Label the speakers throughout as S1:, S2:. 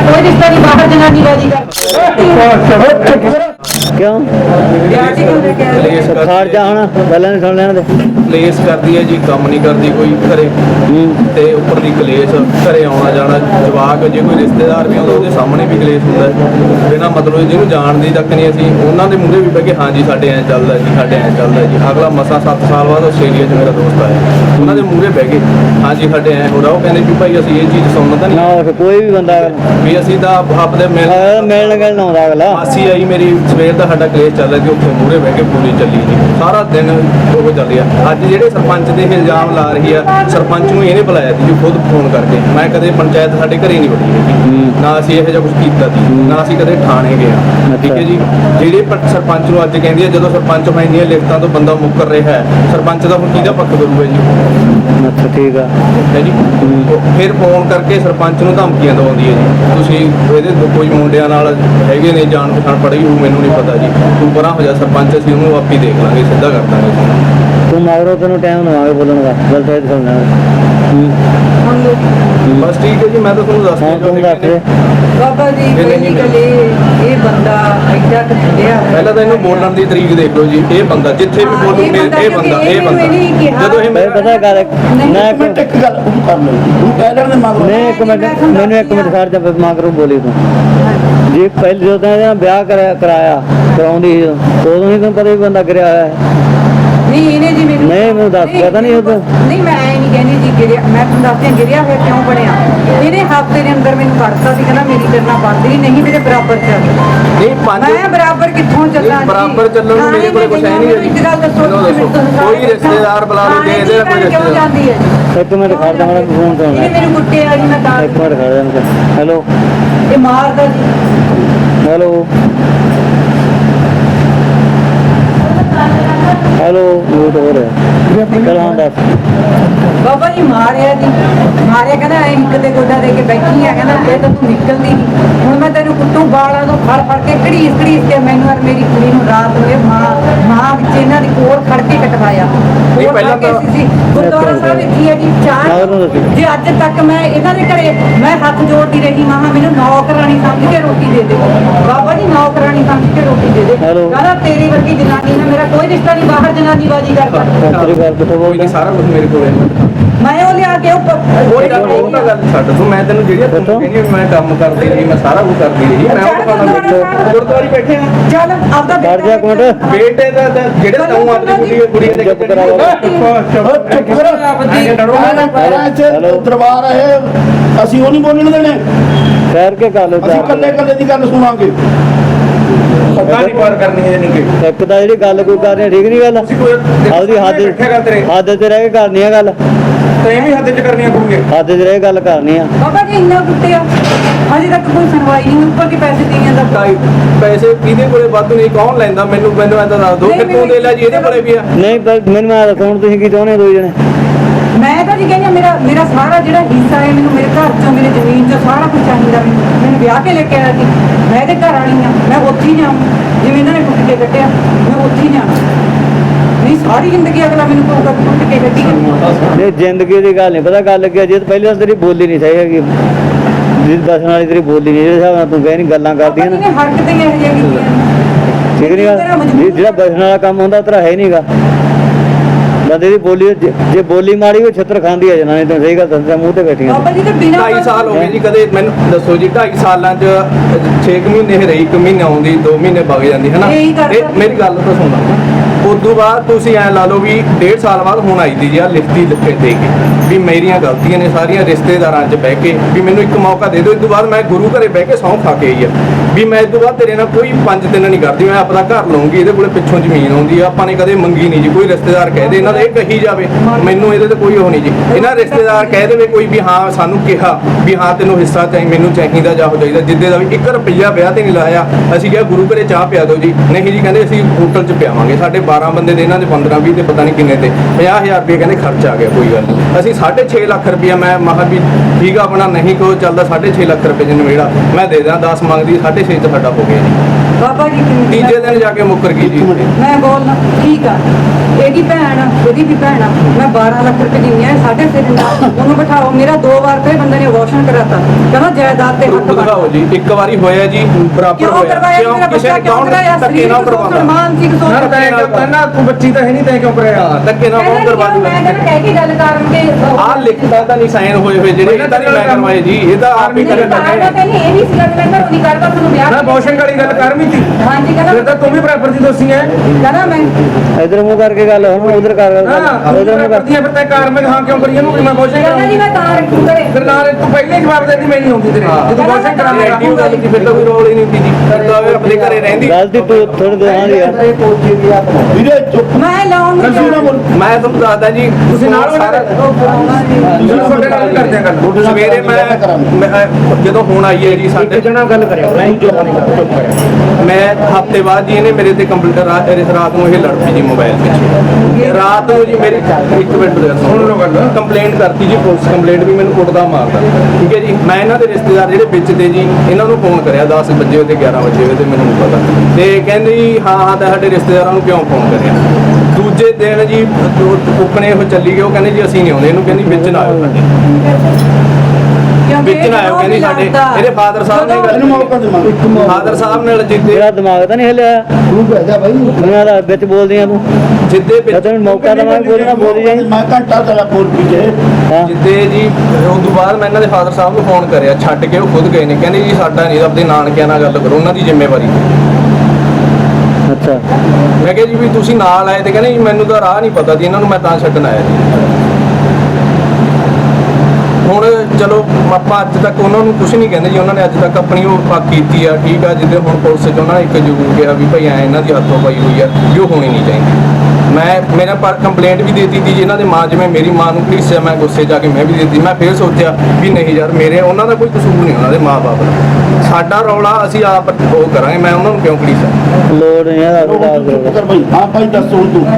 S1: कोई रिश्ता नहीं, बाहर जनानी बाजी कर
S2: क्यों खार जा होना गल नहीं सुन लेने
S3: ਕਲੇਸ਼ ਕਰਦੀ ਹੈ ਜੀ, ਕੰਮ ਨਹੀਂ ਕਰਦੀ ਕੋਈ ਘਰੇ ਤੇ ਉੱਪਰ ਦੀ ਕਲੇਸ਼, ਘਰੇ ਆਉਣਾ ਜਾਣਾ ਜਵਾਕ, ਜੇ ਕੋਈ ਰਿਸ਼ਤੇਦਾਰ ਵੀ ਆਉਂਦਾ ਉਹਦੇ ਸਾਹਮਣੇ ਵੀ ਕਲੇਸ਼ ਹੁੰਦਾ ਬਿਨਾਂ ਮਤਲਬ ਜਿਹਨੂੰ ਜਾਣਦੀ ਤੱਕ ਨਹੀਂ। ਅਸੀਂ ਉਹਨਾਂ ਦੇ ਮੂਹਰੇ ਵੀ ਬਹਿ ਕੇ ਹਾਂਜੀ ਸਾਡੇ ਐਂ ਚੱਲਦਾ ਜੀ, ਸਾਡੇ ਐਂ ਚੱਲਦਾ ਜੀ। ਅਗਲਾ ਮਸਾ 7 ਸਾਲ ਬਾਅਦ ਆਸਟ੍ਰੇਲੀਆ 'ਚ ਮੇਰਾ ਦੋਸਤ ਆਇਆ, ਉਹਨਾਂ ਦੇ ਮੂਹਰੇ ਬਹਿ ਕੇ ਹਾਂਜੀ ਸਾਡੇ ਐਂ ਹੋ ਰਿਹਾ। ਉਹ ਕਹਿੰਦੇ ਵੀ ਭਾਈ ਅਸੀਂ ਇਹ ਚੀਜ਼ ਸੁਣਨਾ ਤਾਂ ਨਹੀਂ,
S2: ਕੋਈ ਵੀ ਬੰਦਾ
S3: ਵੀ ਅਸੀਂ ਤਾਂ ਆਪਦੇ
S2: ਮਿਲਣ ਗੱਲ ਨਾ ਆਉਂਦਾ ਅਗਲਾ।
S3: ਮਾਸੀ ਆਈ ਮੇਰੀ, ਸਵੇਰ ਦਾ ਸਾਡਾ ਕਲੇਸ਼ ਚੱਲ ਰਿਹਾ ਸੀ, ਉੱਥੇ ਮੂਹਰੇ ਬਹਿ ਕੇ ਪੂਰੀ ਚੱਲੀ ਜੀ, ਸਾਰਾ ਦਿਨ ਉਹ ਚੱਲੀ ਆ। ਅੱਜ ਜਿਹੜੇ ਸਰਪੰਚ ਦੇ ਇਲਜ਼ਾਮ ਲਾ ਰਹੀ ਆ, ਸਰਪੰਚ ਨੂੰ ਇਹਨੇ ਬੁਲਾਇਆ ਸੀ ਜੀ ਖੁਦ ਫੋਨ ਕਰਕੇ। ਮੈਂ ਕਦੇ ਪੰਚਾਇਤ ਸਾਡੇ ਘਰੇ ਨਹੀਂ ਵੜੀ ਹੈਗੀ, ਨਾ ਅਸੀਂ ਇਹੋ ਜਿਹਾ ਕੁਝ ਕੀਤਾ ਸੀ, ਨਾ ਅਸੀਂ ਕਦੇ ਥਾਣੇ ਗਏ। ਠੀਕ ਹੈ ਜੀ। ਜਿਹੜੇ ਸਰਪੰਚ ਨੂੰ ਅੱਜ ਕਹਿੰਦੀ ਆ, ਜਦੋਂ ਸਰਪੰਚ ਮੈਂ ਇੰਨੀਆਂ ਲਿਖਤਾਂ ਤੋਂ ਬੰਦਾ ਮੁੱਕਰ ਰਿਹਾ ਹੈ, ਸਰਪੰਚ ਦਾ ਹੁਣ ਕਿਹਦਾ ਪੱਖ ਕਰੂਗਾ ਜੀ?
S2: ਅੱਛਾ ਠੀਕ ਆ
S3: ਹੈ ਜੀ। ਫਿਰ ਫੋਨ ਕਰਕੇ ਸਰਪੰਚ ਨੂੰ ਧਮਕੀਆਂ ਦਵਾਉਂਦੀ ਹੈ ਜੀ, ਤੁਸੀਂ ਇਹਦੇ ਕੋਈ ਮੁੰਡਿਆਂ ਨਾਲ ਹੈਗੇ ਨੇ, ਜਾਣ ਪਛਾਣ ਪੜ੍ਹੀ ਹੋਊ, ਮੈਨੂੰ ਨਹੀਂ ਪਤਾ ਜੀ, ਤੂੰ ਪਰਾਂ ਹੋ ਜਾ ਸਰਪੰਚ, ਅਸੀਂ ਉਹਨੂੰ ਆਪੀ ਦੇਖ ਲਾਂਗੇ, ਸਿੱਧਾ ਕਰ ਦਾਂਗੇ।
S2: ਤੂੰ ਮਗਰੋਂ ਤੈਨੂੰ ਟਾਈਮ ਦਵਾਂਗੇ ਬੋਲਣ ਦਾ, ਗੱਲ ਤਾਂ ਇਹ ਸੁਣਨਾ।
S3: ਬਸ ਠੀਕ ਹੈ ਜੀ, ਮੈਂ ਤਾਂ ਤੁਹਾਨੂੰ ਦੱਸ
S2: ਦੱਸ
S1: बाबा जी पहली गल ये बंदा ऐसा छड़िया
S3: ਪਹਿਲਾਂ ਤਾਂ ਇਹਨੂੰ ਬੋਲਣ ਦੀ ਤਰੀਕ ਦੇਖ ਲਓ ਜੀ। ਇਹ ਬੰਦਾ ਜਿੱਥੇ ਵੀ ਬੋਲੂ, ਇਹ ਬੰਦਾ ਜਦੋਂ ਇਹ
S2: ਪਤਾ ਗੱਲ ਮੈਂ
S4: ਇੱਕ ਮਿੰਟ ਇੱਕ ਗੱਲ ਕਰ ਲਓ, ਤੂੰ ਕਹਿ ਲੈਣ ਦੇ ਮਗਰੋਂ
S2: ਨਹੀਂ ਇੱਕ ਮਿੰਟ ਮੈਨੂੰ ਇੱਕ ਮਿੰਟ ਖੜ ਜਾ, ਮਗਰੋਂ ਬੋਲੀ ਤੂੰ ਜੀ। ਪਹਿਲੇ ਜਦੋਂ ਇਹਦਾ ਵਿਆਹ ਕਰਾਉਂਦੀ ਸੀ ਉਦੋਂ ਹੀ ਤੈਨੂੰ ਪਤਾ ਵੀ ਬੰਦਾ ਗਿਰਿਆ ਹੋਇਆ ਹੈ।
S1: नहीं इन्हें जी मेरे
S2: नहीं मैं दस पता नहीं होता
S1: नहीं मैं नहीं कहनी जी गिरिया, मैं तुम दसदी गिरिया फिर क्यों बनया। इन्हें हफ्ते के अंदर मैंने करता सी, कहना मेरी करना बनती नहीं, मेरे बराबर चल।
S3: नहीं
S1: मैं बराबर कित्थों चलना जी,
S3: बराबर चलण ਨੂੰ ਮੇਰੇ ਕੋਲ ਕੁਝ ਹੈ ਨਹੀਂ ਜੀ। ਕੋਈ ਰਿਸ਼ਤੇਦਾਰ ਬੁਲਾ ਲਓ, ਜੇ ਇਹਦੇ ਕੋਈ
S1: क्यों जाती है जी।
S2: एक मिनट खड़ जा, मेरा फोन तो
S1: इन्हें मेरे गुट्टे आ जी, मैं तार
S2: एक मिनट खड़ जा। हेलो
S1: ये मारदा जी।
S2: हेलो हेलो म्यूट हो रहा चल हाँ दस
S1: बाबा जी मारिया जी, मारिया कहना एक ते गोडा दे के बैठी है, कहना ये तो तू निकलदी नहीं, हुण मैं तेनू कुੱਟੂ बालां ਤੋਂ ਫੜ ਫੜ ਕੇ ਘੜੀਸ ਕੇ ਮੈਨੂੰ ਔਰ ਮੇਰੀ ਕੁੜੀ ਨੂੰ ਰਾਤ ਨੂੰ ਮਾਂ ਵਿੱਚ ਇਹਨਾਂ ਦੀ ਕੋਲ ਖੜ ਕੇ ਕਟਵਾਇਆ।
S3: ਨਹੀਂ ਪਹਿਲਾਂ ਤਾਂ
S1: ਗੁਰਦੁਆਰਾ ਸਾਹਿਬ ਇੱਥੇ ਹੈ ਜੀ, ਚਾਹ ਜੇ ਅੱਜ ਤੱਕ ਮੈਂ ਇਹਨਾਂ ਦੇ ਘਰੇ ਮੈਂ ਹੱਥ ਜੋੜਦੀ ਰਹੀ, ਮਾਂ ਮੈਨੂੰ ਨੌਕਰਾਨੀ ਸਮਝ ਕੇ ਰੋਟੀ ਦੇ ਦੇ, ਬਾਬਾ ਜੀ ਨੌਕਰਾਨੀ ਸਮਝ ਕੇ ਰੋਟੀ ਦੇ ਦੇ। ਕਹਿੰਦਾ ਤੇਰੀ ਵਰਗੀ ਜਨਾਨੀ ਨਾਲ ਮੇਰਾ ਕੋਈ ਰਿਸ਼ਤਾ ਨਹੀਂ, ਬਾਹਰ ਜਨਾਨੀ ਬਾਜੀ ਕਰਦਾ।
S2: ਤੇਰੀ ਗੱਲ ਕਿੱਥੋਂ
S3: ਕੋਈ ਨਹੀਂ, ਸਾਰਾ ਕੁਝ ਮੇਰੇ ਕੋਲ ਹੈ।
S1: ਮੈਂ ਉਹ ਲਿਆ ਕੇ
S3: ਉਹ ਤਾਂ ਗੱਲ ਛੱਡ ਤੂੰ, ਮੈਂ ਤੈਨੂੰ ਜਿਹੜੀਆਂ ਤੂੰ ਕਹਿੰਦੀ ਮੈਂ ਕੰਮ ਕਰਦੀ ਰਹੀ, ਮੈਂ ਸਾਰਾ ਕੁਝ ਕਰਦੀ ਰਹੀ, ਮੈਂ ਉਹ ਕੰਮ ਗੁਰਦੁਆਰੇ ਬੈਠੇ ਆ।
S1: ਚੱਲ ਆਪਦਾ
S2: ਕਰ ਜਾ ਇੱਕ ਮਿੰਟ
S3: ਬੇਟੇ ਦਾ ਜਿਹੜਾ ਤੂੰ ਆਪਣੀ ਕੁੜੀਆਂ ਦੇ
S2: ਚੁੱਪ ਕਰਾਓ।
S4: ਦਰਬਾਰ ਹੈ, ਅਸੀਂ ਉਹ ਨਹੀਂ ਬੋਲਣ ਦੇਣੇ,
S2: ਠਹਿਰ ਕੇ ਕਰ ਲਓ
S4: ਅਸੀਂ ਕੱਲੇ ਕੱਲੇ ਦੀ ਗੱਲ ਸੁਣਾਂਗੇ।
S3: ਪੱਕਾ ਨਹੀਂ ਪਾਰ ਕਰਨੀ ਹੈ ਜਾਨੀ ਕਿ
S2: ਇੱਕ ਤਾਂ ਜਿਹੜੀ ਗੱਲ ਕੋਈ ਕਰ ਰਿਹਾ ਠੀਕ ਨਹੀਂ ਗੱਲ, ਆਪਦੀ ਹੱਦ ਤੇ ਰਹਿ ਕੇ ਕਰਨੀ ਆ ਗੱਲ,
S3: ਤੈਂ ਵੀ ਹੱਦ 'ਚ ਕਰਨੀਆਂ ਕਰੂਗੇ,
S2: ਹੱਦ ਤੇ ਰਹਿ ਕੇ ਗੱਲ ਕਰਨੀ ਆ।
S1: ਬਾਬਾ ਜੀ ਇੰਨਾ ਕੁੱਟਿਆ, ਹਜੇ ਤੱਕ ਕੋਈ ਸੁਣਵਾਈ ਨਹੀਂ, ਉੱਪਰ ਕੀ ਪੈਸੇ ਦੇਈਆਂ ਦਾ।
S3: ਪੈਸੇ ਕਿਹਦੇ ਕੋਲੇ ਵਾਧੂ ਨਹੀਂ, ਕੌਣ ਲੈਂਦਾ? ਮੈਨੂੰ ਐਂ ਤਾਂ ਦੱਸ ਦੋ, ਫਿਰ ਤੂੰ ਦੇ ਲੈ ਜੀ, ਇਹਦੇ ਕੋਲੇ ਵੀ ਆ।
S2: ਨਹੀਂ ਮੈਨੂੰ ਮੈਂ ਦੱਸੋ ਹੁਣ ਤੁਸੀਂ ਕੀ ਚਾਹੁੰਦੇ ਦੋ ਜਣੇ?
S1: ਮੈਂ ਤਾਂ ਜੀ ਕਹਿੰਦੀ ਮੇਰਾ ਸਾਰਾ ਜਿਹੜਾ ਹਿੱਸਾ ਹੈ, ਮੈਨੂੰ ਮੇਰੇ ਘਰ ਚੋਂ, ਮੇਰੇ ਜ਼ਮੀਨ ਚੋਂ ਸਾਰਾ ਕੁਝ ਚਾਹੀਦਾ। ਮੈਨੂੰ ਵਿਆਹ ਕੇ ਲੈ ਕੇ ਆਇਆ ਸੀ, ਮੈਂ ਇਹਦੇ ਘਰ ਵਾਲੀ ਆ, ਮੈਂ ਉੱਥੇ ਹੀ ਜਾਵਾਂ ਜਿਵੇਂ ਇਹਨਾਂ ਨੇ ਕੁੱਟ ਕੇ ਕੱਟਿਆ, ਮੈਂ ਉੱਥੇ ਹੀ ਜਾਣਾ। ਨਹੀਂ ਸਾਰੀ ਜ਼ਿੰਦਗੀ ਅਗਲਾ ਮੈਨੂੰ ਕਹੂਗਾ ਕੁੱਟ ਕੇ ਕੱਟੀ।
S2: ਨਹੀਂ ਜ਼ਿੰਦਗੀ ਦੀ ਗੱਲ ਨਹੀਂ ਪਤਾ, ਗੱਲ ਕੀ ਜੇ ਪਹਿਲੇ ਤਾਂ ਤੇਰੀ ਬੋਲੀ ਨਹੀਂ ਸਹੀ ਹੈਗੀ, ਜਿਸ ਦੱਸਣ ਵਾਲੀ ਤੇਰੀ ਬੋਲੀ ਨਹੀਂ, ਜਿਹੜੇ ਹਿਸਾਬ ਨਾਲ ਤੂੰ ਕਹਿ ਨਹੀਂ ਗੱਲਾਂ ਕਰਦੀਆਂ ਨਾ,
S1: ਹਰਕਤਾਂ ਇਹੋ ਜਿਹੀਆਂ ਕੀਤੀਆਂ
S2: ਠੀਕ ਨਹੀਂ ਗੱਲ। ਜਿਹੜਾ ਬਸਣ ਵਾਲਾ ਕੰਮ ਹੁੰਦਾ ਤੇਰਾ ਹੈ ਨਹੀਂਗਾ। ਬੰਦੇ ਦੀ ਬੋਲੀ ਜੇ ਬੋਲੀ ਮਾੜੀ ਉਹ ਛਿੱਤਰ ਖਾਂਦੀ ਹੈ ਜਨਾਨੀ, ਤਾਂ ਸਹੀ ਗੱਲ ਦੱਸਦਾ ਮੂੰਹ ਤੇ ਬੈਠੀਆਂ।
S1: ਬਾਬਾ ਜੀ ਤੇ ਬਿਨਾਂ
S3: 2.5 ਸਾਲ ਹੋ ਗਏ ਜੀ, ਕਦੇ ਮੈਨੂੰ ਦੱਸੋ ਜੀ 2.5 ਸਾਲਾਂ 'ਚ 6 ਮਹੀਨੇ ਰਹੀ, 1 ਮਹੀਨਾ ਆਉਂਦੀ, 2 ਮਹੀਨੇ ਵਗ ਜਾਂਦੀ ਹੈ ਨਾ। ਮੇਰੀ ਗੱਲ ਤਾਂ ਸੁਣੋ, ਉਦੋਂ ਬਾਅਦ ਤੁਸੀਂ ਐਂ ਲਾ ਲਓ ਵੀ 1.5 ਸਾਲ ਬਾਅਦ ਹੁਣ ਆਈ ਦੀ ਜੀ ਆ ਲਿਖਤੀ ਲਿਖੇ ਦੇ ਕੇ ਵੀ ਮੇਰੀਆਂ ਗਲਤੀਆਂ ਨੇ ਸਾਰੀਆਂ, ਰਿਸ਼ਤੇਦਾਰਾਂ 'ਚ ਬਹਿ ਕੇ ਵੀ ਮੈਨੂੰ ਇੱਕ ਮੌਕਾ ਦੇ ਦਿਓ। ਇਸ ਤੋਂ ਬਾਅਦ ਮੈਂ ਗੁਰੂ ਘਰੇ ਬਹਿ ਕੇ ਸਹੁੰ ਖਾ ਕੇ ਆਈ ਆ ਵੀ ਮੈਂ ਇਸ ਤੋਂ ਬਾਅਦ ਤੇਰੇ ਨਾਲ ਕੋਈ 5 ਦਿਨ ਨਹੀਂ ਕਰਦੀ, ਮੈਂ ਆਪਣਾ ਘਰ ਲਊਂਗੀ, ਇਹਦੇ ਕੋਲੇ ਪਿੱਛੋਂ ਜ਼ਮੀਨ ਆਉਂਦੀ ਆ, ਆਪਾਂ ਨੇ ਕਦੇ ਮੰਗੀ ਨਹੀਂ ਜੀ। ਕੋਈ ਰਿਸ਼ਤੇਦਾਰ ਕਹਿ ਦੇ ਇਹਨਾਂ ਦਾ ਇਹ ਕਹੀ ਜਾਵੇ, ਮੈਨੂੰ ਇਹਦੇ ਤੇ ਕੋਈ ਉਹ ਨਹੀਂ ਜੀ। ਇਹਨਾਂ ਰਿਸ਼ਤੇਦਾਰ ਕਹਿ ਦੇਵੇ ਕੋਈ ਵੀ ਹਾਂ ਸਾਨੂੰ ਕਿਹਾ ਵੀ ਹਾਂ ਤੈਨੂੰ ਹਿੱਸਾ ਚਾਹੀ, ਮੈਨੂੰ ਚਾਹੀਦਾ ਜਾਂ ਹੋ ਚਾਹੀਦਾ, ਜਿੱਦੇ ਦਾ ਵੀ 1 ਰੁਪਈਆ ਵਿਆਹ ਤੇ ਨਹੀਂ ਲਾਇਆ। ਅਸੀਂ ਕਿਹਾ ਗੁਰੂ ਘਰੇ ਚਾਹ ਪਿਆ ਦਿਓ ਜੀ, ਨਹੀਂ ਜੀ ਕਹਿੰਦੇ ਅਸੀਂ ਹੋਟਲ 'ਚ ਪਿਆਵਾਂਗੇ। ਸਾਡੇ 12 ਬੰਦੇ ਦੇ, ਇਹਨਾਂ ਦੇ 15-20 ਤੇ ਪਤਾ ਨਹੀਂ ਕਿੰਨੇ ਤੇ 50,000 ਰੁਪਏ ਕਹਿੰਦੇ ਖਰਚ ਆ ਗਿਆ, ਕੋਈ ਗੱਲ ਨਹੀਂ। ਅਸੀਂ 6.5 ਲੱਖ ਰੁਪਇਆ ਮੈਂ ਮਹਾ ਵੀ ਠੀਕ ਆ ਆਪਣਾ ਨਹੀਂ ਕੋਈ ਚੱਲਦਾ, 6.5 ਲੱਖ ਰੁਪਏ ਜਿੰਨ ਮੇੜਾ ਮੈਂ ਦੇ ਦਾਂ, 10 ਮੰਗਦੀ 6.5 'ਚ ਸਾਡਾ ਹੋ ਗਿਆ ਜੀ।
S1: ਬਾਬਾ ਜੀ ਕਿਵੇਂ
S3: ਤੀਜੇ ਦਿਨ ਜਾ ਕੇ ਮੁੱਕਰ ਗਈ ਜੀ
S1: ਮੈਂ ਬੋਲਣਾ ਠੀਕ ਆ, ਇਹਦੀ ਵੀ ਭੈਣ ਆ, ਮੈਂ 12 ਲੱਖ ਰੁਪਏ ਦਿੰਦੀ ਆ, ਸਾਡੇ ਸਿਰ ਨਾਲ ਉਹਨੂੰ ਬਿਠਾਓ। ਮੇਰਾ 2 ਵਾਰ ਤੇ ਬੰਦੇ ਨੇ ਅਬੋਰਸ਼ਨ ਕਰਾਤਾ, ਕਹਿੰਦਾ ਜਾਇਦਾਦ ਤੇ ਹੱਕ
S3: ਪ੍ਰੂਫ ਦਿਖਾਓ ਜੀ। ਇੱਕ ਵਾਰੀ ਹੋਇਆ ਜੀ, ਬਰਾਬਰ
S1: ਕਿਉਂ
S3: ਹੋਇਆ।
S1: ਕਰਵਾਇਆ ਜੀ? ਮੇਰਾ ਬੱਚਾ ਕਿਉਂ ਕਰਾਇਆ?
S3: ਧੱਕੇ ਨਾਲ ਕਰਵਾਉਂਦਾ।
S1: ਮਾਨਸਿਕ
S5: ਨਾ
S1: ਸੋਚ
S5: ਤੈਂ ਕਿਉਂ ਕਰਨਾ, ਤੂੰ ਬੱਚੀ ਤਾਂ ਹੈ ਨਹੀਂ, ਤੈਂ ਕਿਉਂ ਕਰਿਆ?
S3: ਧੱਕੇ ਨਾਲ ਕੌਣ ਕਰਵਾ ਦੂਗਾ?
S1: ਮੈਂ ਕਹਿੰਦਾ ਕਹਿ ਕੇ ਗੱਲ ਕਰਕੇ
S3: ਆਹ ਲਿਖਦਾ ਤਾਂ ਨਹੀਂ ਸਾਈਨ ਹੋਏ ਹੋਏ ਜਿਹੜੇ, ਇਹ ਤਾਂ ਨਹੀਂ ਮੈਂ ਕਰਵਾਏ ਜੀ, ਇਹ ਤਾਂ ਆਪ ਹੀ ਕਰੇ
S1: ਮੈਂ ਕਹਿੰਦੀ ਇਹ ਵੀ ਸੀਗਾ ਕਿ ਮੈਂ ਘਰੋਂ ਨਹੀਂ ਕਰਦਾ, ਤੁਹਾਨੂੰ ਵਿਆਹ
S5: ਨਾ ਬੋਸ਼ਨ ਵਾਲੀ ਗੱਲ ਕਰ ਵੀ ਤੀ,
S1: ਹਾਂਜੀ
S5: ਫਿਰ
S1: ਕਹਿੰਦਾ
S5: ਤਾਂ ਤੂੰ ਵੀ ਬਰਾਬਰ ਦੀ ਦੋਸ਼ੀ ਹੈ।
S1: ਕਹਿੰਦਾ ਮੈਂ
S2: ਇਧਰ ਮੂੰਹ ਕਰਕੇ ਗੱਲ ਹੁਣ ਉਧਰ ਕਰ
S5: ਹਾਂ ਤੂੰ
S2: ਇਧਰ ਮੂੰਹ
S5: ਬਰਾਬਰ
S2: ਕਰ
S5: ਦੀ ਹੈ, ਫਿਰ ਤੈਂ ਕਾਰ ਮੈਂ ਹਾਂ ਕਿਉਂ ਕਰੀ ਇਹਨੂੰ ਕਿ ਮੈਂ ਬੋਸ਼ਨ
S1: ਕਹਿੰਦਾ ਜੀ
S5: ਕਰਾਂ?
S1: ਮੈਂ ਤਾਂ ਰੱਖੂ ਘਰੇ।
S5: ਫਿਰ ਨਾਲ ਤੂੰ ਪਹਿਲੇ ਹੀ ਜਵਾਬ ਦੇਦੀ ਮੈਂ ਨਹੀਂ ਆਉਂਦੀ ਤੇਰੇ, ਜਦੋਂ ਬੋਸ਼ਨ ਕਰਾਵੇਂਗਾ।
S3: ਐਕਟਿਵ ਗੱਲ ਕੀ, ਫਿਰ ਤਾਂ ਕੋਈ ਰੋਲ ਹੀ ਨਹੀਂ ਹੁੰਦੀ ਜੀ, ਫਿਰ ਤਾਂ ਇਹ ਆਪਣੇ ਘਰੇ ਰਹਿੰਦੀ।
S2: ਗਲਤੀ ਤੂੰ ਥੋੜੀ ਦੋਹਾਂ ਦੀ ਆ।
S4: ਵੀਰੇ ਚੁੱਪ
S1: ਮੈਂ ਲਾਉਣ ਨੂੰ
S4: ਤੁਸੀਂ ਨਾ ਬੋਲ।
S3: ਮੈਂ ਤੁਹਾਨੂੰ ਦੱਸਦਾ ਜੀ,
S5: ਤੁਸੀਂ ਨਾਲ ਹੋ ਨਾ
S3: ਸਾਰਾ
S5: ਤੁਸੀਂ ਤੁਹਾਡੇ ਨਾਲ ਵੀ ਕਰਦੇ ਆ ਗੱਲ।
S3: ਸਵੇਰੇ ਮੈਂ ਜਦੋਂ ਹੁਣ ਆਈ ਹੈ ਜੀ ਸਾਡੇ
S5: ਜਣਾ ਗੱਲ ਕਰਿਆ ਮੈਂ ਹੀ ਚੁੱਪ ਨਹੀਂ ਕਰਦਾ, ਚੁੱਪ ਕਰਿਆ।
S3: ਮੈਂ ਹਫਤੇ ਬਾਅਦ ਜੀ ਇਹਨੇ ਮੇਰੇ ਤੇ ਕੰਪਿਊਟਰ ਰਾਤ ਨੂੰ ਇਹ ਲੜ ਪਈ ਜੀ ਮੋਬਾਈਲ ਪਿੱਛੇ। ਰਾਤ ਨੂੰ ਜੀ ਮੇਰੀ ਇੱਕ ਮਿੰਟ ਦੇ
S5: ਸੁਣ ਲਓ ਗੱਲ।
S3: ਕੰਪਲੇਂਟ ਕਰਤੀ ਜੀ, ਪੁਲਿਸ ਕੰਪਲੇਂਟ ਵੀ ਮੈਨੂੰ ਕੁੱਟਦਾ ਮਾਰਦਾ। ਠੀਕ ਹੈ ਜੀ, ਮੈਂ ਇਹਨਾਂ ਦੇ ਰਿਸ਼ਤੇਦਾਰ ਜਿਹੜੇ ਵਿੱਚ ਤੇ ਜੀ ਇਹਨਾਂ ਨੂੰ ਫੋਨ ਕਰਿਆ 10 ਵਜੇ ਤੇ 11 ਵਜੇ ਤੇ ਮੈਨੂੰ ਨਹੀਂ ਪਤਾ, ਤੇ ਕਹਿੰਦੇ ਜੀ ਹਾਂ ਤੁਹਾਡੇ ਰਿਸ਼ਤੇਦਾਰਾਂ ਨੂੰ ਕਿਉਂ ਫੋਨ ਕਰਿਆ। ਦੂਜੇ ਦਿਨ ਜੀ ਉੱਕਣੇ ਉਹ ਚੱਲੀ ਗਏ, ਉਹ ਕਹਿੰਦੇ ਜੀ ਅਸੀਂ ਨਹੀਂ ਆਉਂਦੇ, ਇਹਨੂੰ ਕਹਿੰਦੀ ਵਿੱਚ ਨਾ ਆਇਓ ਸਾਡੇ, ਵਿੱਚ ਨਾ ਆਇਓ ਕਹਿੰਦੀ ਸਾਡੇ। ਇਹਦੇ ਫਾਦਰ ਸਾਹਿਬ ਨੇ
S4: ਇਹਨੂੰ ਮੌਕਾ ਦੇ ਮਾਰ।
S3: ਫਾਦਰ ਸਾਹਿਬ ਨਾਲ ਜਿੱਦੇ
S2: ਤੇਰਾ ਦਿਮਾਗ ਤਾਂ ਨਹੀਂ ਹਿੱਲਿਆ?
S4: ਤੂੰ ਕਹਿ ਜਾ ਬਾਈ
S2: ਦੁਨੀਆ ਦਾ ਵਿੱਚ ਬੋਲਦੀਆਂ ਤੂੰ,
S3: ਜਿੱਦੇ
S2: ਜਦੋਂ ਤੈਨੂੰ ਮੌਕਾ ਦਵਾਂ ਬੋਲਣਾ ਬੋਲ ਜਾਈਂ।
S4: ਮੈਂ ਘੰਟਾ ਤੇਰਾ ਫੋਨ ਪੀਜੇ
S2: ਹਾਂ
S3: ਜਿੱਦੇ ਜੀ ਉਸ ਤੋਂ ਬਾਅਦ ਮੈਂ ਇਹਨਾਂ ਦੇ ਫਾਦਰ ਸਾਹਿਬ ਨੂੰ ਫੋਨ ਕਰਿਆ, ਛੱਡ ਕੇ ਉਹ ਖੁਦ ਗਏ ਨੇ, ਕਹਿੰਦੇ ਜੀ ਸਾਡਾ ਨਹੀਂ, ਆਪਣੇ ਨਾਨਕਿਆਂ ਨਾਲ ਗੱਲ ਕਰੋ, ਉਹਨਾਂ ਦੀ ਜ਼ਿੰਮੇਵਾਰੀ।
S2: ਅੱਛਾ
S3: ਮੈਂ ਕਿਹਾ ਜੀ ਵੀ ਤੁਸੀਂ ਨਾਲ ਆਏ, ਤੇ ਕਹਿੰਦੇ ਜੀ ਮੈਨੂੰ ਤਾਂ ਰਾਹ ਨਹੀਂ ਪਤਾ ਸੀ, ਇਹਨਾਂ ਨੂੰ ਮੈਂ ਤਾਂ ਛੱਡਣ ਆਇਆ ਜੀ। ਹੁਣ ਚਲੋ ਆਪਾਂ ਅੱਜ ਤੱਕ ਉਹਨਾਂ ਨੂੰ ਕੁਝ ਨਹੀਂ ਕਹਿੰਦੇ ਜੀ, ਉਹਨਾਂ ਨੇ ਅੱਜ ਤੱਕ ਆਪਣੀ ਉਹ ਪੱਕ ਕੀਤੀ ਆ, ਠੀਕ ਆ। ਜਿੱਦੇ ਹੁਣ ਪੁਲਿਸ 'ਚ ਉਹਨਾਂ ਨੇ ਇੱਕ ਜ਼ਰੂਰ ਕਿਹਾ ਵੀ ਭਾਈ ਐ ਇਹਨਾਂ ਦੀ ਹੱਥੋਂ ਪਾਈ ਹੋਈ ਆ, ਵੀ ਉਹ ਹੋਣੀ ਨਹੀਂ ਚਾਹੀਦੀ। ਮੈਂ ਮੇਰਾ ਪਰ ਕੰਪਲੇਂਟ ਵੀ ਦੇ ਦਿੱਤੀ ਜੀ, ਇਹਨਾਂ ਦੇ ਮਾਂ ਜਿਵੇਂ ਮੇਰੀ ਮਾਂ ਨੂੰ ਘੜੀਸਿਆ, ਮੈਂ ਗੁੱਸੇ ਜਾ ਕੇ ਮੈਂ ਵੀ ਦੇ ਦਿੱਤੀ। ਮੈਂ ਫੇਰ ਸੋਚਿਆ ਵੀ ਨਹੀਂ ਯਾਰ, ਮੇਰੇ ਉਹਨਾਂ ਦਾ ਕੋਈ ਕਸੂਰ ਨਹੀਂ, ਉਹਨਾਂ ਦੇ ਮਾਂ-ਬਾਪ ਦਾ, ਸਾਡਾ ਰੌਲਾ ਅਸੀਂ ਆਪ ਉਹ ਕਰਾਂਗੇ, ਮੈਂ ਉਹਨਾਂ ਨੂੰ ਕਿਉਂ ਘੜੀਸਾਂ।
S2: ਲੋੜ ਨਹੀਂ ਹੈ
S4: ਚੁੱਪ ਕਰ ਬਾਈ। ਹਾਂ ਭਾਈ ਦੱਸ ਹੁਣ ਤੂੰ।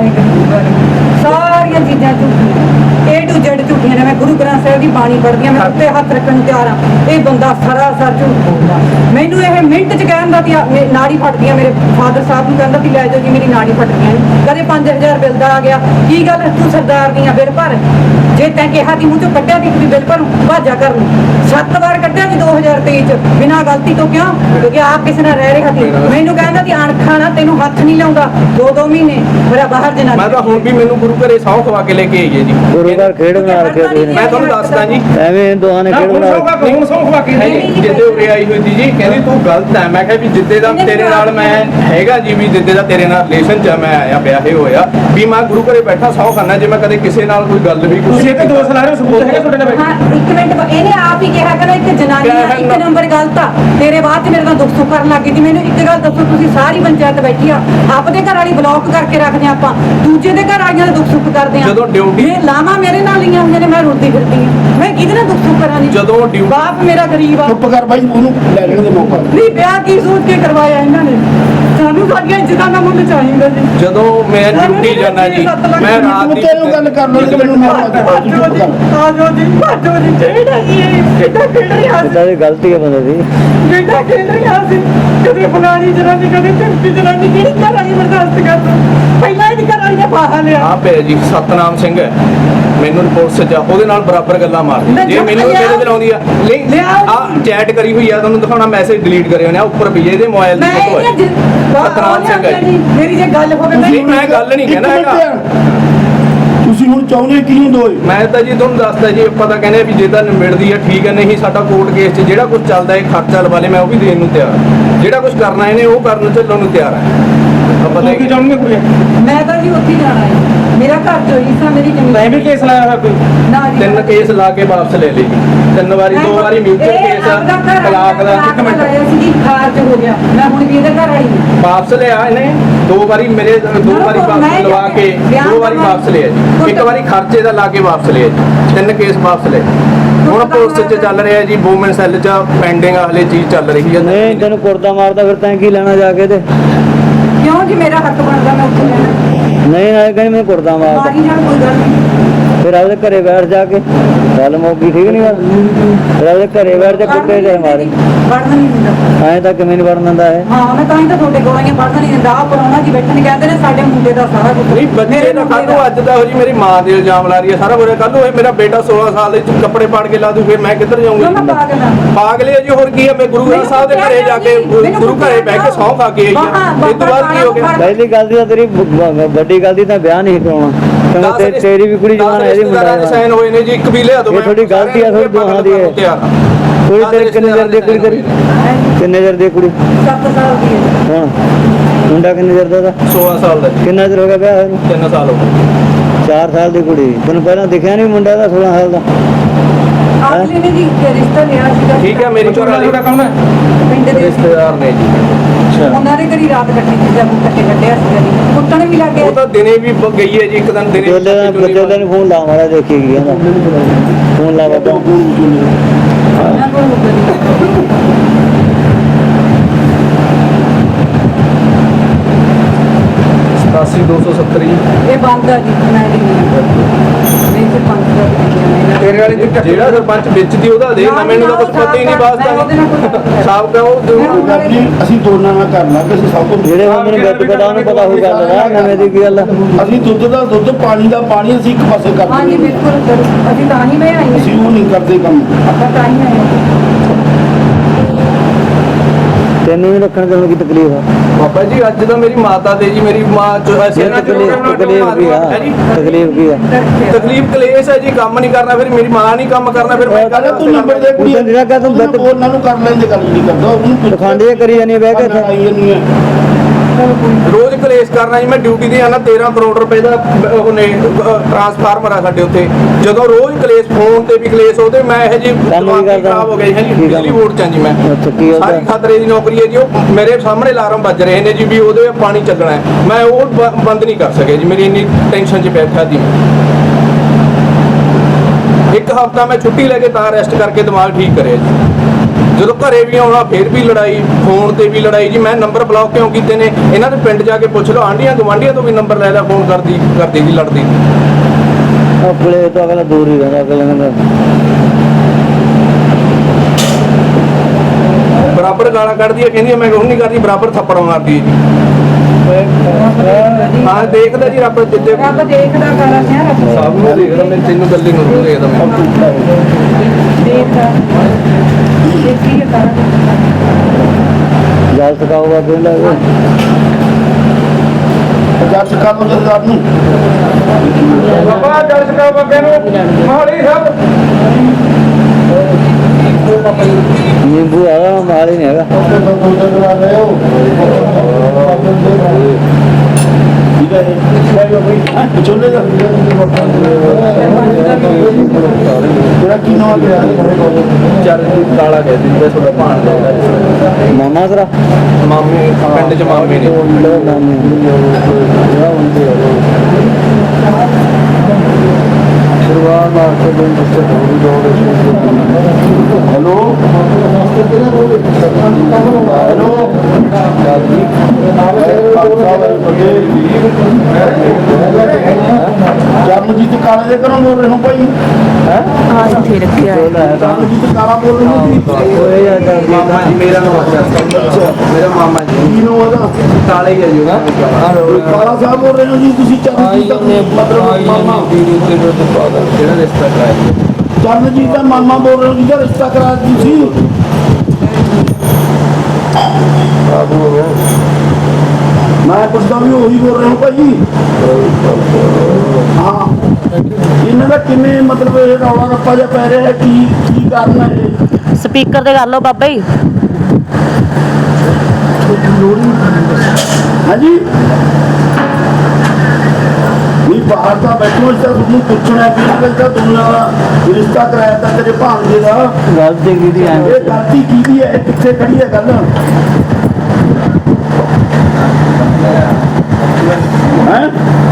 S1: ਸਾਰੀਆਂ ਚੀਜ਼ਾਂ ਝੂਠੀਆਂ, A to Z ਝੂਠੀਆਂ ਨੇ। ਮੈਂ ਗੁਰੂ ਗ੍ਰੰਥ ਸਾਹਿਬ ਦੀ ਬਾਣੀ ਪੜ੍ਹਦੀ ਹਾਂ, ਮੈਂ ਉੱਤੇ ਹੱਥ ਰੱਖਣ ਨੂੰ ਤਿਆਰ ਹਾਂ। ਇਹ ਬੰਦਾ ਸਰਾਸਰ ਝੂਠ ਬੋਲਦਾ। ਮੈਨੂੰ ਇਹ ਮਿੰਟ 'ਚ ਕਹਿੰਦਾ ਕਿ ਨਾੜੀ ਫਟਦੀ ਆ, ਮੇਰੇ ਫਾਦਰ ਸਾਹਿਬ ਨੂੰ ਕਹਿੰਦਾ ਕਿ ਲੈ ਜਾਓ ਜੀ ਮੇਰੀ ਨਾੜੀ ਫਟਦੀ ਆ। ਕਦੇ 5000 ਬਿੱਲ ਦਾ ਆ ਗਿਆ, ਕੀ ਗੱਲ ਤੂੰ ਸਰਦਾਰ ਦੀਆਂ ਬਿੱਲ ਭਰ, ਜੇ ਤੈਂ ਕਿਹਾ ਦੀ ਮੂੰਹ ਚੋਂ ਕੱਢਿਆ ਦੀ ਬਿੱਲ ਭਰੂ, ਭਾਜਾ ਕਰਨ 7 ਵਾਰ ਕੱਢਿਆ ਜੀ 2023 'ਚ ਬਿਨਾਂ ਗਲਤੀ ਤੋਂ। ਕਿਉਂ? ਕਿਉਂਕਿ ਆਪ ਕਿਸੇ ਨਾਲ ਰਹਿ ਰਿਹਾ ਸੀ। ਮੈਨੂੰ ਕਹਿੰਦਾ ਕਿ ਅਣਖਾਂ ਨਾਲ ਤੈਨੂੰ ਹੱਥ ਨਹੀਂ ਲਾਉਂਦਾ 2-2 ਮਹੀਨੇ ਮੇਰਾ ਬਾਹਰ ਜਨਾ।
S3: ਮੈਂ ਤਾਂ ਹੁਣ ਵੀ ਮੈਨੂੰ ਗੁਰੂ ਘਰੇ ਸਹੁੰ ਖਵਾ ਕੇ ਲੈ ਕੇ ਆਈ ਹੈ ਜੀ।
S2: ਗੁਰੂ ਘਰ ਖੇਡ ਬਣਾ ਰੱਖਿਆ ਤੁਸੀਂ ਨੇ।
S3: ਮੈਂ ਤੁਹਾਨੂੰ ਦੱਸਦਾ ਜੀ,
S2: ਐਵੇਂ ਦੋਹਾਂ ਨੇ
S5: ਨਾ
S2: ਖੇਡ
S5: ਹੁਣ
S2: ਬਣਾ
S5: ਸੌਂਗਾ ਹੁਣ ਸੌਂ ਖਵਾ ਕੇ
S3: ਨਹੀਂ ਜਿੱਦੇ ਉਰੇ ਆਈ ਹੋਈ ਸੀ ਜੀ, ਕਹਿੰਦੀ ਤੂੰ ਗਲਤ ਹੈ। ਮੈਂ ਕਿਹਾ ਵੀ ਜਿੱਦੇ ਦਾ ਤੇਰੇ ਨਾਲ ਮੈਂ ਹੈਗਾ ਜੀ, ਵੀ ਜਿੱਦੇ ਦਾ ਤੇਰੇ ਨਾਲ ਰਿਲੇਸ਼ਨ ਚ ਮੈਂ ਆਇਆ ਵਿਆਹੇ ਹੋਇਆ, ਵੀ ਮੈਂ ਗੁਰੂ ਘਰੇ ਬੈਠਾ ਸਹੁੰ ਖਾਨਾ, ਜੇ ਮੈਂ ਕਦੇ ਕਿਸੇ ਨਾਲ ਕੋਈ ਗੱਲ ਵੀ
S5: ਤੁਸੀਂ ਇਹ ਤੇ ਦੋਸ਼ ਲਾ ਰਹੇ ਹੋ, ਸਬੂਤ ਹੈਗਾ ਤੁਹਾਡੇ ਨਾਲ?
S1: ਹਾਂ ਇੱਕ ਮਿੰਟ, ਇਹਨੇ ਆਪ ਹੀ ਕਿਹਾ ਕਿ ਇੱਕ ਜਨਾਨੀ ਆ, ਇੱਕ ਨੰਬਰ ਗਲਤ ਆ। ਤੇਰੇ ਬਾਅਦ ਚ ਮੇਰੇ ਨਾਲ ਦੁੱਖ ਸੁੱਖ ਕਰਨ ਲੱਗ ਗਈ ਸੀ। ਮੈਨੂੰ ਇੱਕ ਗੱਲ ਦੱਸੋ, ਤੁਸੀਂ ਸਾਰੀ ਪੰਚਾਇਤ ਬੈਠੀ ਆ, ਆਪਦੇ ਘਰ ਵਾਲੀ ਬਲੌਕ ਕਰਕੇ ਰੱਖਦੇ ਆਪਾਂ, ਦੂਜੇ ਦੇ ਘਰ ਵਾਲੀਆਂ ਦਾ ਦੁੱਖ ਸੁੱਖ ਕਰਦੇ ਆ।
S3: ਜਦੋਂ ਡਿਊਟੀ-
S1: ਇਹ ਲਾਵਾਂ ਮੇਰੇ ਨਾਲ ਲਈਆਂ ਹੋਈਆਂ ਨੇ, ਮੈਂ ਰੋਂਦੀ ਫਿਰਦੀ ਆ। ਮੈਂ ਕਿਹਦੇ ਨਾਲ ਦੁੱਖ ਸੁੱਖ ਕਰਾਂ ਜੀ?
S3: ਜਦੋਂ ਡਿਊਟੀ-
S1: ਬਾਪ ਮੇਰਾ ਗਰੀਬ ਆ।
S4: ਚੁੱਪ ਕਰ ਬਾਈ, ਉਹਨੂੰ ਲੈ ਲੈਣ ਦੇ ਮੌਕਾ।
S1: ਨਹੀਂ ਵਿਆਹ ਕੀ ਸੋਚ ਕੇ ਕਰਵਾਇਆ ਇਹਨਾਂ ਨੇ? ਸਾਨੂੰ ਸਾਡੀਆਂ ਇੱਜ਼ਤਾਂ ਦਾ ਮੁੱਲ ਚਾਹੀਦਾ ਜੀ।
S3: ਜਦੋਂ ਮੈਂ ਡਿਊਟੀ ਜਾਣਾ ਜੀ, ਮੈਂ ਰਾਤ
S4: ਤੂੰ
S3: ਦੀ
S4: ਤੈਨੂੰ ਗੱਲ ਕਰ ਲਓ ਤੇ ਮੈਨੂੰ ਮੌਕਾ ਦੇ। ਤੂੰ ਚੁੱਪ ਕਰ।
S1: ਆਜੋ ਜੀ, ਭਾਜੋ ਜੀ, ਜਿਹੜਾ ਜੀ ਇਹ ਕਿੱਦਾਂ ਖੇਡ ਰਿਹਾ ਸੀ,
S2: ਇਦਾਂ ਦੀ ਗਲਤੀ ਹੈ ਬੰਦੇ ਦੀ।
S1: ਕਿੱਦਾਂ ਖੇਡ ਰਿਹਾ ਸੀ। ਕਦੇ ਫਲਾਣੀ ਜਨਾਨੀ, ਕਦੇ ਧਮਕੀ ਜਨਾਨੀ, ਕਿਹੜੀ ਘਰ ਵਾਲੀ ਬਰਦਾਸ਼ਤ ਕਰ ਤੂੰ? ਪਹਿਲਾਂ ਇਹਦੀ ਘਰ ਵਾਲੀ ਨੇ ਫਾਹਾ ਲਿਆ।
S3: ਆ ਪਿਆ ਜੀ ਸਤਨਾਮ ਸਿੰਘ ਹੈ, ਮੈਨੂੰ ਰਿਪੋਰਟ ਸਜਾ, ਉਹਦੇ ਨਾਲ ਬਰਾਬਰ ਗੱਲਾਂ ਮਾਰਦੀ। ਜੇ ਮੈਨੂੰ ਕਿਹਦੇ ਚਲਾਉਂਦੀ ਆ ਨਹੀਂ, ਆ ਚੈਟ ਕਰੀ ਹੋਈ ਆ, ਤੁਹਾਨੂੰ ਦਿਖਾਉਣਾ, ਮੈਸੇਜ ਡਿਲੀਟ ਕਰੇ ਹੋਣੇ ਆ, ਉੱਪਰ ਵੀ ਇਹਦੇ ਮੋਬਾਈਲ ਦੀ
S1: ਮੈਂ
S3: ਫੋਟੋ ਹੈ। ਸਤਨਾਮ ਸਿੰਘ ਹੈ ਜੀ।
S1: ਮੇਰੀ ਜੇ ਗੱਲ ਹੋਵੇ
S3: ਨਹੀਂ ਮੈਂ ਗੱਲ ਨਹੀਂ ਕਹਿਣਾ
S4: ਇੱਕ
S3: ਹੈਗਾ,
S4: ਮਿੰਟ, ਤੁਸੀਂ ਹੁਣ ਚਾਹੁੰਦੇ ਕਿਹਨੂੰ ਦੋਏ?
S3: ਮੈਂ ਤਾਂ ਜੀ ਤੁਹਾਨੂੰ ਦੱਸਦਾ ਜੀ, ਆਪਾਂ ਤਾਂ ਕਹਿੰਦੇ ਆ ਵੀ ਜੇ ਤਾਂ ਨਿਬੜਦੀ ਆ ਠੀਕ ਹੈ, ਨਹੀਂ ਸਾਡਾ ਕੋਰਟ ਕੇਸ 'ਚ ਜਿਹੜਾ ਕੁਝ ਚੱਲਦਾ ਹੈ ਖਰਚਾ ਲਵਾਲੇ, ਮੈਂ ਉਹ ਵੀ ਦੇਣ ਨੂੰ ਤਿਆਰ ਹਾਂ। ਜਿਹੜਾ ਕੁਝ ਕਰਨਾ ਇਹਨੇ ਉਹ ਕਰਨ ਚੱਲਣ ਨੂੰ ਤਿਆਰ ਹੈ। ਆਪਾਂ
S5: ਤੂੰ ਕੀ ਚਾਹੁੰਗੇ ਕੁੜੀ?
S1: ਮੈਂ ਤਾਂ ਜੀ ਉੱਥੇ ਜਾਣਾ ਹੈ। ਮੇਰਾ ਘਰ ਚੋਂ ਹਿੱਸਾ ਮੇਰੀ ਜ਼ਮੀਨ।
S5: ਮੈਂ ਵੀ ਕੇਸ ਲਾਇਆ ਹੋਇਆ ਕੋਈ?
S1: ਨਾ ਜੀ,
S3: 3 ਕੇਸ ਲਾ ਕੇ ਵਾਪਸ ਲੈ ਲਈ ਜੀ, 3 ਵਾਰੀ, 2 ਵਾਰੀ ਮਿਊਚੁਅਲ ਕੇਸ, ਤਲਾਕ ਦਾ।
S1: ਇੱਕ ਮਿੰਟ ਲਾਇਆ ਸੀ ਜੀ, ਖਾਰਜ ਹੋ ਗਿਆ। ਮੈਂ ਹੁਣ ਵੀ ਇਹਦੇ ਘਰ ਵਾਲੀ ਹਾਂ।
S3: ਵਾਪਸ ਲਿਆ ਇਹਨੇ 2 ਵਾਰੀ, ਮੇਰੇ 2 ਵਾਰੀ ਵਾਪਸ ਲਵਾ ਕੇ 2 ਵਾਰੀ ਵਾਪਸ ਲਿਆ ਜੀ, 1 ਵਾਰੀ ਖਰਚੇ ਦਾ ਲਾ ਕੇ ਵਾਪਸ ਲਿਆ ਜੀ, 3 ਕੇਸ ਵਾਪਸ ਲਏ। ਹੁਣ ਪੁਲਿਸ 'ਚ ਚੱਲ ਰਿਹਾ ਜੀ, ਵੂਮਨ ਸੈੱਲ 'ਚ ਪੈਂਡਿੰਗ ਹਲੇ ਚੀਜ਼ ਚੱਲ ਰਹੀ ਹੈ।
S2: ਨਹੀਂ ਤੈਨੂੰ ਕੁਰਦਾ ਮਾਰਦਾ ਫਿਰ ਤੈਂ ਕੀ ਲੈਣਾ ਜਾ ਕੇ ਤੇ?
S1: ਕਿਉਂ ਜੀ? ਮੇਰਾ ਹੱਕ ਬਣਦਾ, ਮੈਂ ਉੱਥੇ ਰਹਿਣਾ।
S2: ਨਹੀਂ ਨਾ ਕਹਿੰਦੀ ਮੈਨੂੰ ਕੁਰਦਾ ਮਾਰਦਾ।
S1: ਮਾਰੀ ਜਾਣ, ਕੋਈ ਗੱਲ ਨਹੀਂ।
S2: ਫਿਰ ਆਪਦੇ ਘਰੇ ਬੈਠ ਜਾ ਕੇ ਗੱਲ ਮੌਕੀ ਠੀਕ ਨਹੀਂ ਗੱਲ ਫਿਰ ਆਪਦੇ ਘਰੇ ਬੈਠ ਜਾ ਕੁੱਤੇ ਦੇ ਮਾਰੇ
S1: ਪੜਨ ਨਹੀਂ ਦਿੰਦਾ
S2: ਐਂ ਤਾਂ ਕਿਵੇਂ ਨਹੀਂ ਵੜਨ ਦਿੰਦਾ ਹੈ
S1: ਹਾਂ ਮੈਂ ਤਾਂ ਹੀ ਤਾਂ ਤੁਹਾਡੇ ਕੋਲ ਆਈਆਂ ਪੜਨ ਨਹੀਂ ਦਿੰਦਾ ਆ ਪਰੋਣਾ ਜੀ ਬੈਠਣ ਕਹਿੰਦੇ ਨੇ ਸਾਡੇ ਮੁੰਡੇ ਦਾ ਸਾਰਾ ਕੁਝ
S3: ਨਹੀਂ ਬੱਚੇ ਦਾ ਕੱਲ ਨੂੰ ਅੱਜ ਦਾ ਹੋ ਜੀ ਮੇਰੀ ਮਾਂ ਦੇ ਇਲਜ਼ਾਮ ਲਾ ਰਹੀ ਹੈ ਸਾਰਾ ਬੁਰਾ ਕੱਲ ਨੂੰ ਇਹ ਮੇਰਾ ਬੇਟਾ 16 ਸਾਲ ਦੇ ਵਿੱਚ ਕੱਪੜੇ ਪਾੜ ਕੇ ਲਾ ਦੂ ਫਿਰ ਮੈਂ ਕਿੱਧਰ
S1: ਮੈਂ
S3: ਜਾਊਂਗਾ
S1: ਪਾਗਲ ਹਾਂ
S3: ਪਾਗਲੇ ਆ ਜੀ ਹੋਰ ਕੀ ਹੈ ਮੈਂ ਗੁਰੂ ਗ੍ਰੰਥ ਸਾਹਿਬ ਦੇ ਘਰੇ ਜਾ ਕੇ ਗੁਰੂ ਘਰੇ ਬਹਿ ਕੇ ਸਹੁੰ ਖਾ ਕੇ ਆਈ ਹਾਂ ਇਸ ਤੋਂ ਬਾਅਦ ਕੀ ਹੋ ਗਿਆ
S2: ਪਹਿਲੀ ਗੱਲ ਦੀ ਤਾਂ ਤੇਰੀ ਵੱਡੀ ਗੱਲ ਦੀ ਤਾਂ ਵਿਆਹ ਨਹੀਂ ਕਰਾਉਣਾ ਕਿਉਂਕਿ ਤੇਰੀ ਵੀ ਕੁੜੀ ਜਵਾਨ ਹੈ ਇਹਦੀ ਮੁੰਡਾ
S3: ਸਾਈਨ ਹੋਏ ਨੇ ਜੀ ਇੱਕ ਵੀ ਲਿਆ ਦੋ
S2: ਇਹ ਤੁਹਾਡੀ ਗਲਤੀ ਆ ਤੁਹਾਡੀ ਦੋਹਾਂ ਦੀ ਹੈ ਕੁੜੀ ਤੇਰੇ ਕਿੰਨੇ ਚਿਰ ਦੀ ਕੁੜੀ ਤੇਰੀ ਕਿੰਨੇ ਚਿਰ ਦੀ ਕੁੜੀ
S1: 7 ਸਾਲ ਦੀ ਹੈ
S2: ਹਾਂ ਮੁੰਡਾ ਕਿੰਨੇ ਚਿਰ ਦਾ
S3: 16 ਸਾਲ ਦਾ ਜੀ
S2: ਕਿੰਨਾ ਚਿਰ ਹੋ ਗਿਆ ਵਿਆਹ ਨੂੰ
S3: 3 ਸਾਲ ਹੋ ਗਏ
S2: 4 ਸਾਲ ਦੀ ਕੁੜੀ ਤੈਨੂੰ ਪਹਿਲਾਂ ਦਿਖਿਆ ਨਹੀਂ ਮੁੰਡਾ ਦਾ 16 ਸਾਲ ਦਾ
S1: ਆਖਲੀ ਨੇ ਜੀ ਰਿਸ਼ਤਾ ਲਿਆ ਸੀਗਾ
S3: ਠੀਕ ਹੈ ਮੇਰੀ ਘਰ ਵਾਲੀ
S5: ਕੌਣ ਹੈ
S1: ਪਿੰਡ ਦੇ
S3: ਰਿਸ਼ਤੇਦਾਰ ਨੇ ਜੀ
S1: ਉਹਨਾਂ ਦੇ ਘਰੀ ਰਾਤ ਕੱਟੀ ਸੀ ਜਦ ਕੱਟੇ ਕੱਟਿਆ ਸੀ ਜੀ ਕੁੱਟਣ ਵੀ ਲੱਗ
S3: ਉਹ
S1: ਗਿਆ
S3: ਤਾਂ ਦਿਨੇ ਵੀ ਗਈ ਹੈ ਜੀ ਇੱਕ ਦਿਨ ਦਿਨੇ
S2: ਬੱਚੇ ਨੂੰ ਫੋਨ ਲਾ ਮਾਰਾ ਦੇਖੀ ਗਿਆ ਫੋਨ ਲਾ ਬੱਚਾ
S1: ਉਹਨਾਂ ਕੋਲ ਮੁੱਕ ਗਈ
S3: 87270
S1: ਇਹ ਬੰਦ ਆ ਜੀ ਮੈਂ ਨਹੀਂ ਫਿਰ ਪੰਜ ਦਾ ਵੀ
S5: ਤੇਰੇ ਵਾਲੀ ਦੀ
S3: ਜਿਹੜਾ ਸਰਪੰਚ ਵੇਚਦੀ ਉਹਦਾ ਦੇ ਨਾ ਮੈਨੂੰ ਤਾਂ ਕੁਝ ਪਤਾ ਹੀ ਨਹੀਂ ਵਾਸਤਾ ਸਾਬ ਕਾ ਉਹ
S4: ਜੀ ਅਸੀਂ ਦੋਨਾਂ ਨਾਲ ਕਰ ਲਾਂਗੇ ਅਸੀਂ ਸਭ ਤੋਂ
S2: ਜਿਹੜੇ ਬੰਦੇ ਨੂੰ ਗੱਟ ਪਤਾ ਉਹਨੂੰ ਪਤਾ ਹੋਊ ਗੱਲ ਦਾ ਨਵੇਂ ਦੀ ਕੀ ਗੱਲ ਆ।
S4: ਅਸੀਂ ਦੁੱਧ ਦਾ ਦੁੱਧ ਪਾਣੀ ਦਾ ਪਾਣੀ ਅਸੀਂ ਇੱਕ ਪਾਸੇ ਕਰ
S1: ਹਾਂਜੀ
S4: ਦਿੰਦੇ
S1: ਬਿਲਕੁਲ ਜ਼ਰੂਰ। ਅਸੀਂ ਤਾਂ ਹੀ ਮੈਂ ਆਈ ਹਾਂ
S4: ਅਸੀਂ ਉਹ ਨਹੀਂ ਕਰਦੇ ਕੰਮ
S1: ਆਪਾਂ ਤਾਂ ਹੀ ਆਏ ਹਾਂ
S2: ਤੈਨੂੰ ਨਹੀਂ ਰੱਖਣ ਦੇਣ ਦੀ ਤਕਲੀਫ ਆ
S3: ਬਾਬਾ ਜੀ ਅੱਜ ਤਾਂ ਮੇਰੀ ਮਾਤਾ ਦੇ ਜੀ ਮੇਰੀ ਮਾਂ
S2: ਤਕਲੀਫ ਕੀ ਆ ਤਕਲੀਫ ਕੀ ਆ
S3: ਤਕਲੀਫ ਕਲੇਸ਼ ਹੈ ਜੀ ਕੰਮ ਨਹੀਂ ਕਰਨਾ ਫਿਰ ਮੇਰੀ ਮਾਂ ਨਹੀਂ ਕੰਮ ਕਰਨਾ ਫਿਰ ਮੈਂ
S4: ਕਹਿੰਦਾ ਤੂੰ ਨੰਬਰ ਦੇ ਕੁੜੀ
S2: ਤੂੰ ਜਿਹੜਾ ਕਹਿ ਤੂੰ
S4: ਤੂੰ ਉਹਨਾਂ ਨੂੰ ਕਰ ਲੈਂਦੇ ਗੱਲ ਨਹੀਂ ਕਰਦਾ ਉਹਨੂੰ
S2: ਪਖੰਡ ਜੇ ਕਰੀ ਜਾਨੀ ਬਹਿ ਕੇ ਇੱਥੇ।
S4: ਲੜਾਈ ਨਹੀਂ ਹੈ
S3: ਰੋਜ਼ ਕਲੇਸ਼ ਕਰਨਾ ਜੀ ਮੈਂ ਡਿਊਟੀ ਤੇ ਆਣਾ 13 ਕਰੋੜ ਰੁਪਏ ਦਾ ਉਹਨੇ ਟਰਾਂਸਫਾਰਮਰ ਆ ਸਾਡੇ ਉੱਤੇ ਜਦੋਂ ਰੋਜ਼ ਕਲੇਸ਼ ਫੋਨ ਤੇ ਵੀ ਕਲੇਸ਼ ਉਹਦੇ ਮੈਂ ਇਹ ਜੀ ਦਿਮਾਗ ਹੀ ਖਰਾਬ ਹੋ ਗਿਆ ਜੀ
S2: ਕੀ
S3: ਬਿਜਲੀ
S2: ਕੰਮ?
S3: ਬੋਰਡ ਚ ਹਾਂ ਜੀ ਮੈਂ
S2: ਅੱਛਾ ਕੀ ਹੋ
S3: ਸਾਰੀ
S2: ਗਿਆ
S3: ਖਤਰੇ ਦੀ ਨੌਕਰੀ ਹੈ ਜੀ ਉਹ ਮੇਰੇ ਸਾਹਮਣੇ ਅਲਾਰਮ ਵੱਜ ਰਹੇ ਨੇ ਜੀ ਵੀ ਉਹਦੇ ਪਾਣੀ ਚੱਲਣਾ ਹੈ ਮੈਂ ਉਹ ਬੰਦ ਨਹੀਂ ਕਰ ਸਕਿਆ ਜੀ ਮੇਰੀ ਇੰਨੀ ਟੈਨਸ਼ਨ 'ਚ ਬੈਠਾ ਸੀ ਇੱਕ ਹਫ਼ਤਾ ਮੈਂ ਛੁੱਟੀ ਲੈ ਕੇ ਤਾਂ ਰੈਸਟ ਕਰਕੇ ਦਿਮਾਗ ਠੀਕ ਕਰਿਆ ਜੀ ਜਦੋਂ ਘਰੇ ਵੀ ਆਉਣਾ ਫਿਰ ਵੀ ਲੜਾਈ ਫੋਨ ਤੇ ਵੀ ਲੜਾਈ ਜੀ ਮੈਂ ਨੰਬਰ ਬਲੌਕ ਕਿਉਂ ਕੀਤੇ ਨੇ ਇਹਨਾਂ ਦੇ ਪਿੰਡ ਜਾ ਕੇ ਪੁੱਛ ਲਓ ਆਂਢੀਆਂ ਗਵਾਂਢੀਆਂ ਤੋਂ ਵੀ ਨੰਬਰ ਲੈ ਲਿਆ ਫੋਨ ਕਰਦੀ ਦੀ ਲੜਦੀ
S2: ਆਪਣੇ ਤੋਂ ਅਗਲਾ ਦੂਰ ਹੀ ਰਹਿੰਦਾ ਅਗਲੇ ਨਾਲ
S3: ਬਰਾਬਰ ਗਾਲਾਂ ਕੱਢਦੀ ਹੈ ਕਹਿੰਦੀ ਹੈ ਮੈਂ ਹੁਣ ਨਹੀਂ ਕਰਦੀ ਬਰਾਬਰ ਥੱਪੜ ਮਾਰਦੀ ਹੈ ਜੀ ਹਾਂ ਦੇਖਦਾ ਜੀ ਰੱਬ ਜਿੱਦੇ
S1: ਰੱਬ ਦੇਖਦਾ ਕਰਾਂ ਹੈ ਰੱਬ
S3: ਸਭ ਨੂੰ ਦੇਖਦਾ ਮੈਂ ਤੈਨੂੰ ਗੱਲੀ ਨੂੰ ਦੇਖਦਾ ਮੈਂ
S1: ਦੇਖਦਾ ਦੇਖੀ ਹੈ ਕਰਾਂ
S2: ਜਲ ਸਕਾਊਗਾ ਫਿਰ ਲੱਗੇ
S4: ਜੱਜ ਕੰਮ ਜਰਦਾਰ ਨੂੰ
S5: ਬਾਬਾ ਜਲ ਸਕਾ ਬਾਬੇ ਨੂੰ ਮੋਹਲੀ ਸਾਹਿਬ
S2: ਨਿੰਬੂ ਆ ਮਾਲ ਹੀ ਨਹੀਂ ਹੈਗਾ
S4: ਚੋਲੇ ਦਾ ਜਿਹੜਾ ਕੀ ਨਾਮ ਹੈ
S3: ਚਰਨਜੀਤ ਕਾਲਾ ਕਹਿੰਦੀ ਤੇ ਤੁਹਾਡਾ ਭਾਣ ਦਾ
S2: ਮਾਮਾ ਤੇਰਾ
S3: ਮਾਮੇ ਪਿੰਡ ਚ ਮਾਮੇ ਨੇ
S2: ਸ਼ੁਰੂਆਤ ਮਾਰ ਕੇ ਦਿਨ ਜਿੱਥੇ ਥੋੜੀ ਲੋੜ
S4: ਹੈਲੋ ਚਰਨਜੀਤ ਕਾਲੇ ਦੇ ਘਰੋਂ ਬੋਲ ਰਹੇ ਹੋ ਭਾਈ ਚਰਨਜੀਤ ਕਾਲਾ ਬੋਲ ਰਹੇ ਹੋ
S3: ਮਾਮਾ ਜੀ ਮੇਰਾ ਨਾਮ ਮੇਰਾ ਮਾਮਾ ਜੀ
S4: ਕੀ ਨਾਮ ਉਹਦਾ
S3: ਕਾਲਾ ਹੀ ਹੈ ਜੀ ਉਹਦਾ
S4: ਕਾਲਾ ਸਾਹਿਬ ਬੋਲ ਰਹੇ ਹੋ ਜੀ ਤੁਸੀਂ ਚਰਨਜੀਤ ਦਾ ਮਤਲਬ ਮਾਮਾ
S3: ਜਿਹੜਾ ਰਿਸ਼ਤਾ ਕਰਾਇਆ
S4: ਚਰਨਜੀਤ ਦਾ ਮਾਮਾ ਬੋਲ ਰਹੇ ਹੋ ਜਿਹਦਾ ਰਿਸ਼ਤਾ ਕਰਾਇਆ ਤੁਸੀਂ ਮੈਂ ਪੁੱਛਦਾ ਵੀ ਉਹੀ ਬੋਲ ਰਹੇ ਹੋ ਭਾਈ ਹਾਂ ਇਹਨਾਂ ਦਾ ਕਿਵੇਂ ਮਤਲਬ ਇਹ ਰੌਲਾ ਰੱਪਾ ਜਿਹਾ ਪੈ ਰਿਹਾ ਹੈ ਕੀ ਕਾਰਨ ਹੈ ਇਹ
S6: ਸਪੀਕਰ ਤੇ ਕਰ ਲਓ ਬਾਬਾ ਜੀ
S4: ਹਾਂਜੀ ਵੀ ਬਾਹਰ ਤਾਂ ਬੈਠੋ ਇਸ ਤਾਂ ਤੁਹਾਨੂੰ ਪੁੱਛਣਾ ਵੀ ਇਹਨਾਂ ਦਾ ਦੁਨੀਆ ਦਾ ਰਿਸ਼ਤਾ ਕਰਾਇਆ ਤਾਂ ਤੇਰੇ ਭਾਣਜੇ ਦਾ
S2: ਗੱਲ ਤੇ ਕੀ ਦੀ
S4: ਇਹ ਗਲਤੀ ਕਿਹਦੀ ਹੈ ਇਹ ਕਿੱਥੇ ਖੜੀ ਹੈ ਗੱਲ ਹੈ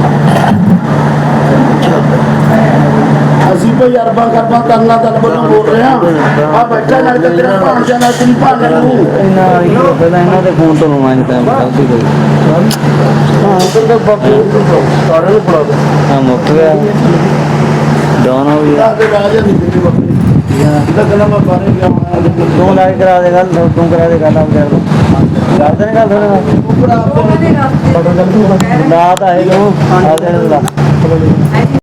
S4: ਅਸੀਂ ਕੋਈ ਅਰਬਾਂ ਕਰਬਾਂ ਕਰਨਾ ਤਾਂ ਵੱਲੋਂ ਬੋਲ ਰਹੇ ਹਾਂ ਆ ਬੈਠਾ ਨਾਲ ਤਾਂ ਤੇਰਾ ਭਾਣਜਾ ਨਾਲ ਤੇਰੀ ਭਾਣਜਾ ਨੂੰ
S2: ਪਹਿਲਾਂ ਇਹਨਾਂ ਦੇ ਫੋਨ ਤੋਂ ਲਵਾਂ ਟਾਈਮ ਗਲਤੀ ਕੋਈ
S4: ਹਾਂ ਉਧਰ ਦਾ ਬਾਪੂ ਸਾਰਿਆਂ ਨੂੰ ਫੜਾ ਦੇ
S2: ਹਾਂ ਮੁੱਕ ਗਿਆ
S4: ਇਹਦਾ ਤੇ ਰਾਜ ਨਹੀਂ ਦਿੱਤੀ ਬੱਕਰੀ ਇਹਦਾ ਕਹਿੰਦਾ ਮੈਂ ਬਾਰੇ ਗਿਆ
S2: ਤੂੰ ਲਾ ਕੇ ਕਰਾ ਦੇ ਗੱਲ ਤੂੰ ਕਰਾ ਦੇ ਗੱਲ ਆਪ ਕਰ ਕਰਦੇ ਨੇ ਗੱਲ ਥੋੜਾ
S4: ਉੱਪਰ ਆਪ
S1: ਉਹਨਾਂ ਦੇ ਰਸਤੇ
S2: ਨਾ ਤਾਂ ਇਹ ਲੋ ਆ ਦੇ ਲਾ